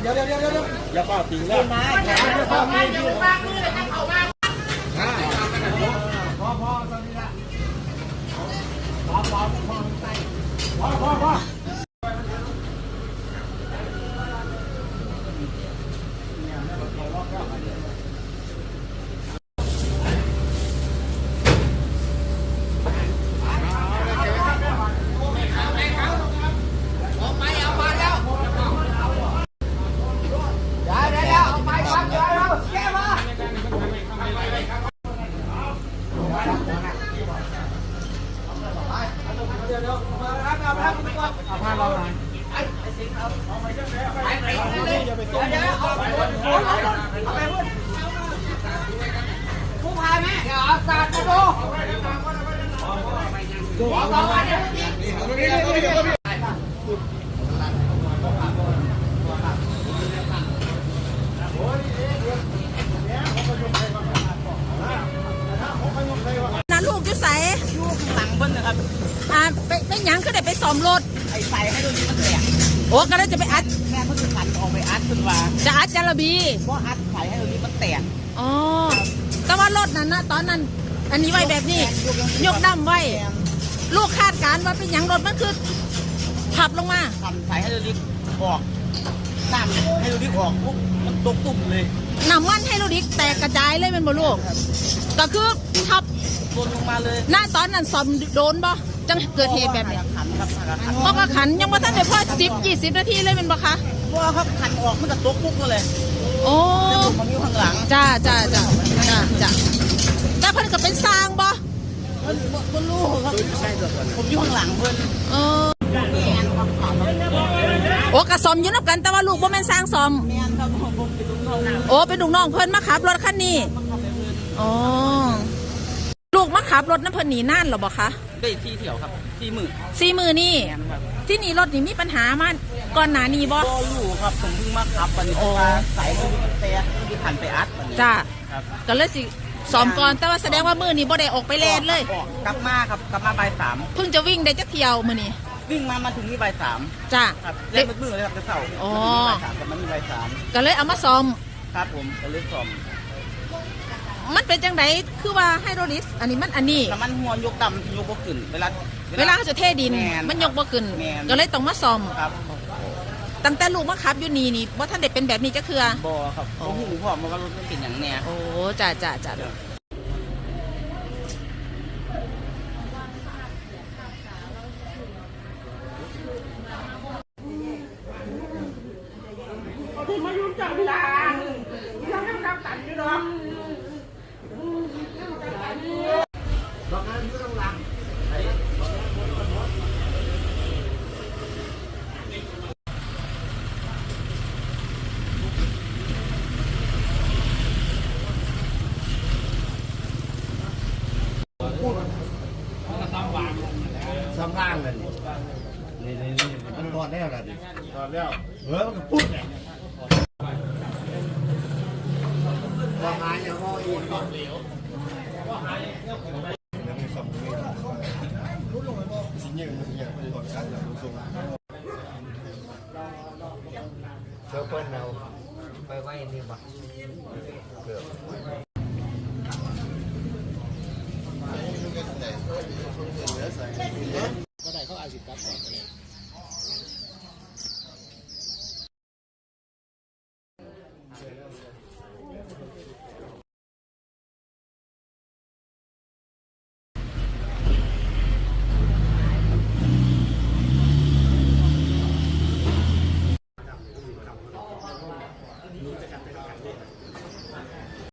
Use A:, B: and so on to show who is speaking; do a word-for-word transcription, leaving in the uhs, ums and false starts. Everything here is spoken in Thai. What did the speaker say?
A: เดี๋ยวเดี๋ยวเดี๋ยวเดี๋ยวอย่าเป่าตีแล้วมาอย่าเป่าตีอย่าเป่าตีเลยนะเขาบ้างพอพอตอนนี้ละพอพอพอใส่พอพอพอผู้พายไหมเดี๋ยวเอาศาสตร์มาดูดูเอาไปเนี่ยน่าลูกจะใส่ลูกหลังเบิ้ลนะครับอ่าไปไปยังก็ได้ไปซ้อมรถไอ้ใส่ให้ดูนี่มันแตกโอ้ก็เลยจะไปอัดแม่เพิ่งจะขันออกไปอัดขึ้นว่าจะอัดจาระบีเพราะอัดใส่ให้ดูนี่มันแตกอ๋อแต่ว่ารถนั้นนะตอนนั้นอันนี้ไว้แบบนี้ยกดำไว้ลูกคาดการว่าเป็นอย่างรถมันคือขับลงมาขับใส่ให้ดูนี่ออกน้ำให้ดูนี่ออกปุ๊บมันตกตุ่มเลยน้ำมันให้ดูนี่แตกกระจายเลยเป็นบ่ลูกก็คือทับโดนลงมาเลยหน้าตอนนั้นซ้อมโดนบ่จังเกิดเหตุแบบนี้เพราะว่าขันยังไม่ทันได้พอสิบยี่สิบนาทีเลยเป็นบ่คะเพราะว่าเขาขันออกมันก็ตกปุ๊บเลยโอ้มันอยู่ข้างหลังจ้าจ้าจ้าจ้าจ้าแต่เพิ่นก็เป็นสร้างบ่เพิ่นเพิ่นรู้ครับผมอยู่ข้างหลังเพิ่นเออโอ้กระซอมอยู่นับกันแต่ว่าลูกบ่แม่นสร้างซอมโอ้เป็นลูกน้องเพิ่นมาขับรถคันนี้อ๋อลูกมาขับรถน้ำเพิ่นหนีน่านหรอบ่คะได้ที่เที่ยวครับสี่มือสี่มือนี่ที่นี่รถนี่มีปัญหามันก่อนหน้านี้บ่ก็อยู่ครับผมเพิ่งมาขับวันนี้สายมือแต่ที่ผ่านไปอัดจ้าก็เลยสิซ้อมก่อนแต่ว่าแสดงว่ามือนี่บ่ได้ออกไปเล่นเลยกลับมาครับกลับมาบ่ายสามเพิ่งจะวิ่งได้จักเที่ยวมือนี่วิ่งมามาถึงนี่บ่ายสามจ้าเล่นมือเลยครับจะเสาร์อ๋อบ่ายสามกับมันนี่บ่ายสามก็เลยเอามาซ้อมครับผมก็เลยซ้อมมันเป็นจังไดคือว่าไฮโดรลิสอันนี้มันอันนี้มันหัวยกดำยกบ่ขึ้นเวลาเวลาเขาจะเทดินมันยกบ่ขึ้นก็เลยต้องมาซ่อมครับตั้งแต่ลูกมาขับอยู่นี่นี่ว่าท่านเด็กเป็นแบบนี้จะคือบ่ครับโอ้โหพ่อมันก็รถมันเป็นอย่างเนี้ยโอ้จ่าจ่าจ่าที่มายุ่งจังเวลาที่ทำให้เราตัดอยู่เนาะซ้ำร่างเลยนี่นี่นี่มันรอดแล้วล่ะดิรอดแล้วเออมันปุ๊บเนี่ยว่าหายอย่างว่าอีกก่อนเหลวว่าหายยังมีสองมือรู้ลงไปบ่สิ่งอย่างนี้อย่างเป็นคนการอย่างรู้สึกเจ้าเปิ้ลเราไปไว้นี่บ่เกือบก็ได้เขาอาชีพกับ